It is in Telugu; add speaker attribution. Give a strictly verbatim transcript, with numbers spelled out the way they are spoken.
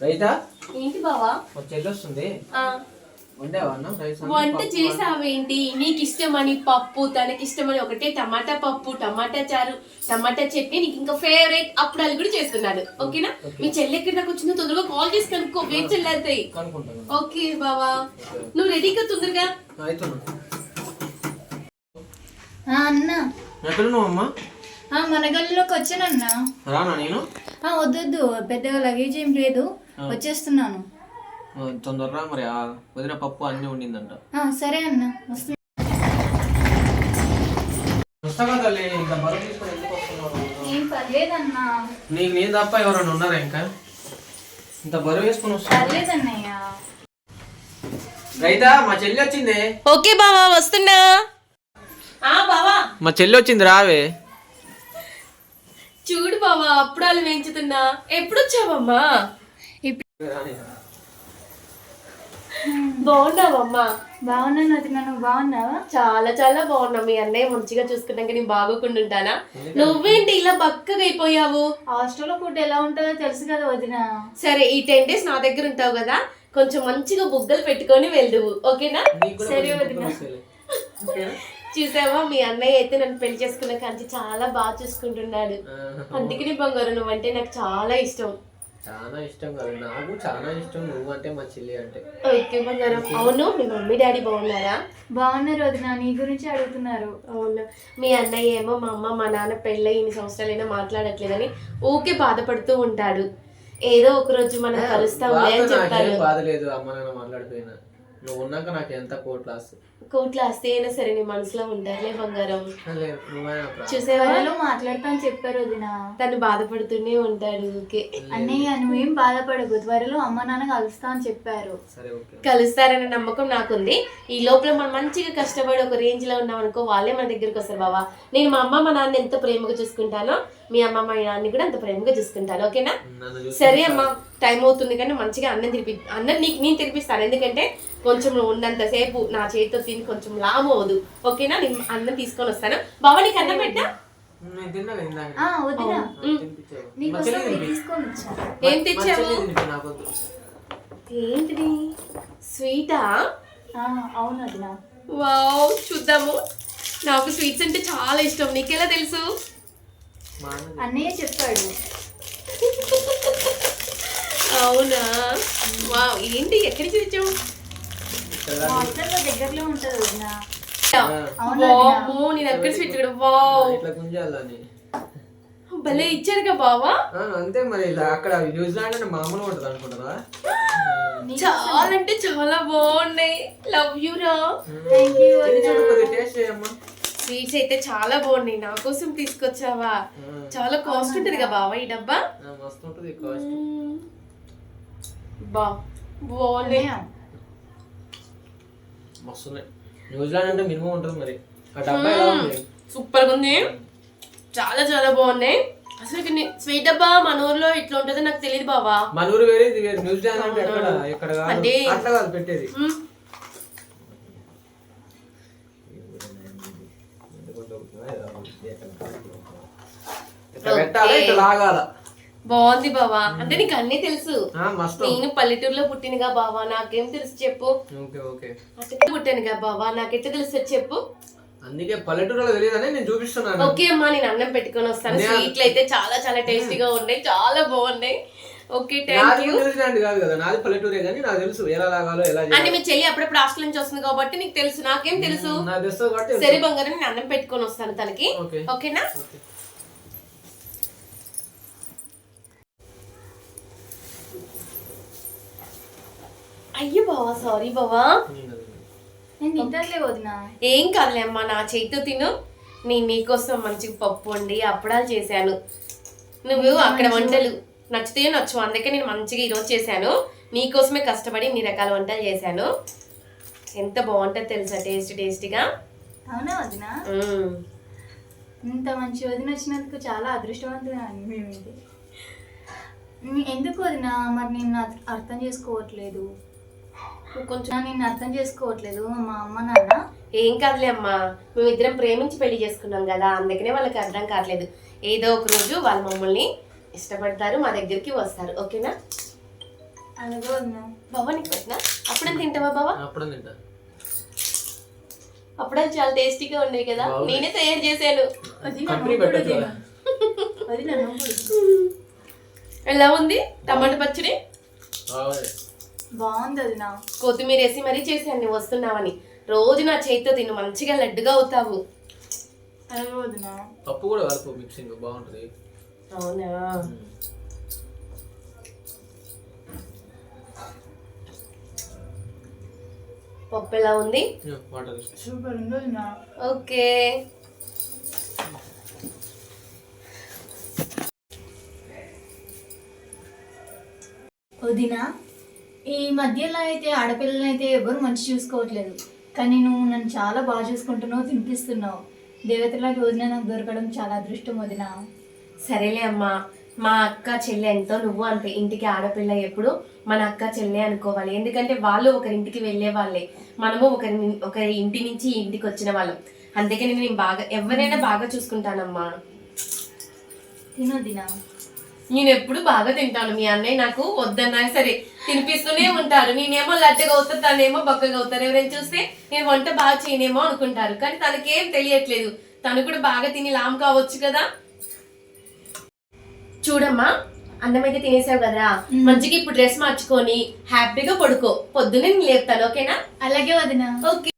Speaker 1: రైతా
Speaker 2: ఏంటి బావా
Speaker 1: చెల్లి వస్తుంది
Speaker 2: వంట చేసావేంటి? నీకు ఇష్టమని పప్పు, తనకి ఇష్టమని ఒకటే టమాటా పప్పు, టమాటా చారు, టమాటా చట్నీ, నీకు ఇంకా ఫేవరెట్ అప్పుడాలు కూడా చేస్తున్నాడు. ఓకేనా? మీ చెల్లి ఎక్కడి దాకా వచ్చిందో తొందరగా కాల్ చేసి కనుక్కో, వెయిట్ చెల్లారుతాయి. ఓకే బావా, నువ్వు రెడీగా తొందరగా.
Speaker 3: అన్నా
Speaker 1: ఎక్కడున్నావమ్మా?
Speaker 3: మన గల్లీలోకి వచ్చానన్నా.
Speaker 1: రానా నేను?
Speaker 3: వద్దొద్దు, పెద్దగా లగేజ్ ఏం లేదు, వచ్చేస్తున్నాను.
Speaker 1: తొందరగా మరి వదిన పప్పు అన్ని ఉండిందంట.
Speaker 3: సరే అన్న, వస్తున్నా. ఏం పర్లేదన్నా.
Speaker 1: నీకు నేను తప్ప ఎవరైనా ఉన్నారా ఇంకా? ఇంత బరువు వేసుకుని వస్తా.
Speaker 3: పర్లేదన్నయ్య.
Speaker 1: రైతా మా చెల్లి వచ్చింది.
Speaker 2: ఓకే బావా, వస్తున్నా. బావా
Speaker 1: మా చెల్లి వచ్చింది, రావే.
Speaker 2: చూడు బావా, అప్పుడాలు వేయించుతున్నా. ఎప్పుడు వచ్చావమ్మా? బాగున్నావమ్మా?
Speaker 3: బాగున్నాను వదిన, నువ్వు బాగున్నావా?
Speaker 2: చాలా చాలా బాగున్నా. మీ అన్నయ్య మంచిగా చూసుకున్నాక నేను బాగోకుండా ఉంటానా? నువ్వేంటి ఇలా బక్కగా అయిపోయావు?
Speaker 3: హాస్టల్లో ఫుడ్ ఎలా ఉంటుందో తెలుసు కదా వదిన.
Speaker 2: సరే, ఈ టెన్ డేస్ నా దగ్గర ఉంటావు కదా, కొంచెం మంచిగా బుగ్గలు పెట్టుకొని వెళ్దువు. ఓకేనా?
Speaker 3: సరే వదిన.
Speaker 2: చూసావా, మీ అన్నయ్య అయితే నన్ను పెళ్లి చేసుకున్న కానీ చాలా బాగా చూసుకుంటున్నాడు. అందుకని బంగారు, నువ్వంటే నాకు చాలా ఇష్టం.
Speaker 1: చాలా ఇష్టం కదా, నాకు చాలా ఇష్టం నువ్వు అంటే, మా చెల్లి అంటే.
Speaker 2: ఓకే బంగారం. అవును, మీ మమ్మీ డాడీ బాగున్నారా?
Speaker 3: బాగున్నారు వదిన, నీ గురించి అడుగుతున్నారు.
Speaker 2: అవును, మీ అన్నయ్య ఏమో మా అమ్మ మా నాన్న పెళ్ళై ఇన్ని సంవత్సరాలైనా మాట్లాడట్లేదని ఊకే బాధపడుతూ ఉంటాడు. ఏదో ఒక రోజు మనం కలుస్తాంలే అని చెప్పారు.
Speaker 1: బాధ లేదు, అమ్మ నాన్న మాట్లాడిపోయినా. నువ్వు ఉన్నాక నాకు ఎంత కోట్ల ఆస్తి.
Speaker 2: కోట్ల ఆస్తి అయినా సరే నీ మనసులో ఉంటారులే బంగారం.
Speaker 3: చూసేవాళ్ళు మాట్లాడతా అని చెప్పారు వదిన.
Speaker 2: తను బాధపడుతూనే ఉంటాడు. ఓకే
Speaker 3: అన్నయ్య, నువ్వేం బాధపడకు, త్వరలో అమ్మ నాన్న కలుస్తా అని చెప్పారు.
Speaker 2: కలుస్తారనే నమ్మకం నాకుంది. ఈ లోపల మనం మంచిగా కష్టపడి ఒక రేంజ్ లో ఉన్నాం అనుకో, వాళ్ళే మన దగ్గరికి వస్తారు. బావా, నేను మా అమ్మ మా నాన్న ఎంత ప్రేమగా చూసుకుంటానో, మీ అమ్మ మా నాన్న కూడా అంత ప్రేమగా చూసుకుంటాను. ఓకేనా? సరే అమ్మా, టైం అవుతుంది కానీ మంచిగా అన్నం తినిపి అన్నం నీకు నేను తినిపిస్తాను. ఎందుకంటే కొంచెం నువ్వు ఉన్నంతసేపు నా చేతితో తిని కొంచెం లాభం అవదు. ఓకేనా? నేను అన్నం తీసుకొని వస్తాను. బావా, నీకు అన్నం పెట్టా? ఏం తెచ్చావు? ఏంటిది? స్వీటా?
Speaker 3: అవును వదిన.
Speaker 2: వావ్, చూద్దాము. నాకు స్వీట్స్ అంటే చాలా ఇష్టం. నీకెలా తెలుసు?
Speaker 3: అన్నయ్య చెప్పాడు.
Speaker 2: అవునా? వావ్, ఏంటి ఎక్కడి నుంచి తెచ్చావు?
Speaker 3: హాస్టల్లో దగ్గరలో ఉంటది వదిన.
Speaker 2: నేను ఎక్కడ స్వీట్ కూడా. వావ్, భలే ఇచ్చారుగా బావా.
Speaker 1: అంతే మరి, అక్కడ న్యూజిలాండ్ అంటే మామూలుగా ఉంటది అనుకుంటారా?
Speaker 2: చాలా అంటే చాలా బాగున్నాయి. లవ్ యూ రా. స్వీట్స్ అయితే చాలా బాగున్నాయి. నా కోసం తీసుకొచ్చావా? చాలా కాస్ట్ ఉంటది కదా బావా ఈ డబ్బా? బా బాగున్నాయి.
Speaker 1: న్యూజిలాండ్ అంటే మినిమం ఉంటుంది మరి. ఆ డబ్బా ఎలా ఉంది?
Speaker 2: సూపర్ గా ఉంది, చాలా చాలా బాగున్నాయి. అసలు స్వీట్ డబ్బా మన ఊర్లో ఇట్లా ఉంటుందో నాకు తెలియదు బావా.
Speaker 1: మన ఊరు వేరే, ఇది వేరే. న్యూజిలాండ్ అంటే ఎక్కడ ఎక్కడ అట్లా కాదు పెట్టేది.
Speaker 2: బాగుంది బావా. అంటే నీకు అన్ని తెలుసు. నేను పల్లెటూరులో పుట్టినగా బావా, నాకేం తెలుసు చెప్పు. పుట్టానుగా బావా, నాకెట్లా తెలుసు చెప్పు.
Speaker 1: అందుకే పల్లెటూరులో తెలియదని నేను చూపిస్తున్నాను.
Speaker 2: ఓకే అమ్మా, నేను అన్నం పెట్టుకొని వస్తాను. స్వీట్లు అయితే చాలా చాలా టేస్టీగా ఉన్నాయి, చాలా బాగున్నాయి. Okay, thank you.
Speaker 1: న్యూజిలాండ్ కాదు కదా, నాది పల్లెటూరే కానీ నాకు తెలుసు ఎలా లాగాలో ఎలా.
Speaker 2: అంటే మీ చెల్లి అప్పుడప్పుడు హాస్టల్ నుంచి వస్తుంది కాబట్టి నీకు తెలుసు, నాకేం తెలుసు. సరే బంగారం, నేను అన్నం పెట్టుకొని వస్తాను తనకి. ఓకేనా? అయ్యో బావా, సారీ బావా. ఏం కాదులే అమ్మా, నా చేతితో తిను. నేను నీకోసం మంచిగా పప్పు వండి అప్పడాలు చేశాను. నువ్వు అక్కడ వంటలు నచ్చితే నచ్చు, అందుకే నేను మంచిగా ఈరోజు చేశాను. నీకోసమే కష్టపడి ఇన్ని రకాల వంటలు చేశాను. ఎంత బాగుంటుంది తెలుసా, టేస్ట్ టేస్టీగా.
Speaker 3: అవునా వదిన? ఇంత మంచి వదిన వచ్చినందుకు చాలా అదృష్టవంతులు మేమైతే. ఎందుకు వదిన మరి నేను అర్థం చేసుకోవట్లేదు? కొంచెం నేను అర్థం చేసుకోవట్లేదు మా అమ్మ నాన్న.
Speaker 2: ఏం కాదులే అమ్మా, మేమిద్దరం ప్రేమించి పెళ్లి చేసుకున్నాం కదా, అందుకనే వాళ్ళకి అర్థం కావట్లేదు. ఏదో ఒక రోజు వాళ్ళు మమ్మల్ని ఇష్టపడతారు, మా దగ్గరికి వస్తారు. ఓకేనా?
Speaker 3: అలాగే వదిన.
Speaker 2: బావా నీకు పెట్టినా అప్పుడే తింటావా బావా?
Speaker 1: అప్పుడే తింటా.
Speaker 2: అప్పుడే చాలా టేస్టీగా ఉన్నాయి కదా,
Speaker 1: బాగున్నాయి.
Speaker 2: నేనే తయారు చేశాను.
Speaker 3: వదిన,
Speaker 1: కంపెనీ
Speaker 3: నువ్వు కూడా
Speaker 1: పెట్టచ్చు
Speaker 3: తిను.
Speaker 1: కదా.
Speaker 3: వదిన, నువ్వు కూడా తిను.
Speaker 2: ఎలా ఉంది టమాటా పచ్చడి?
Speaker 1: బాగుంది.
Speaker 3: బాగుంది వదిన.
Speaker 2: కొత్తిమీర వేసి మరీ చేశాను నువ్వు వస్తున్నావని. రోజు నా చేతితో తిను, మంచిగా లడ్డుగా అవుతావు.
Speaker 3: అలాగే వదిన.
Speaker 1: పప్పు కూడా కలుపు, మిక్సింగ్ బాగుంటుంది.
Speaker 2: అవునా? పప్పు ఎలా ఉంది?
Speaker 1: వాటర్
Speaker 3: సూపర్ ఉంది వదిన.
Speaker 2: ఓకే.
Speaker 3: వదిన, ఈ మధ్యలో అయితే ఆడపిల్లలని అయితే ఎవరు మంచి చూసుకోవట్లేదు, కానీ నువ్వు నన్ను చాలా బాగా చూసుకుంటున్నావు, తినిపిస్తున్నావు. దేవతలాంటి వదిన నాకు దొరకడం చాలా అదృష్టం వదిన.
Speaker 2: సరేలే అమ్మా, మా అక్క చెల్లె ఎంతో నువ్వు అంతే. ఇంటికి ఆడపిల్ల ఎప్పుడు మన అక్క చెల్లె అనుకోవాలి, ఎందుకంటే వాళ్ళు ఒకరింటికి వెళ్ళే వాళ్ళే, మనము ఒకరి ఒకరి ఇంటి నుంచి ఈ ఇంటికి వచ్చిన వాళ్ళం. అందుకని నేను బాగా ఎవరైనా బాగా చూసుకుంటానమ్మా.
Speaker 3: తినొదినా.
Speaker 2: నేను ఎప్పుడు బాగా తింటాను. మీ అన్నయ్య నాకు వద్దన్నా సరే తినిపిస్తూనే ఉంటారు. నేనేమో లడ్డగా అవుతాను, తనేమో బక్కగా అవుతారు. ఎవరైనా చూస్తే నేను వంట బాగా చేయనేమో అనుకుంటారు, కానీ తనకేం తెలియట్లేదు. తను కూడా బాగా తిని లామ్ కావచ్చు కదా. చూడమ్మా, అన్నం అయితే తినేసావు కదా, మంచిగా ఇప్పుడు డ్రెస్ మార్చుకొని హ్యాపీగా పడుకో. పొద్దున్నే నేను లేపుతాను, ఓకేనా?
Speaker 3: అలాగే వదినా.
Speaker 2: ఓకే.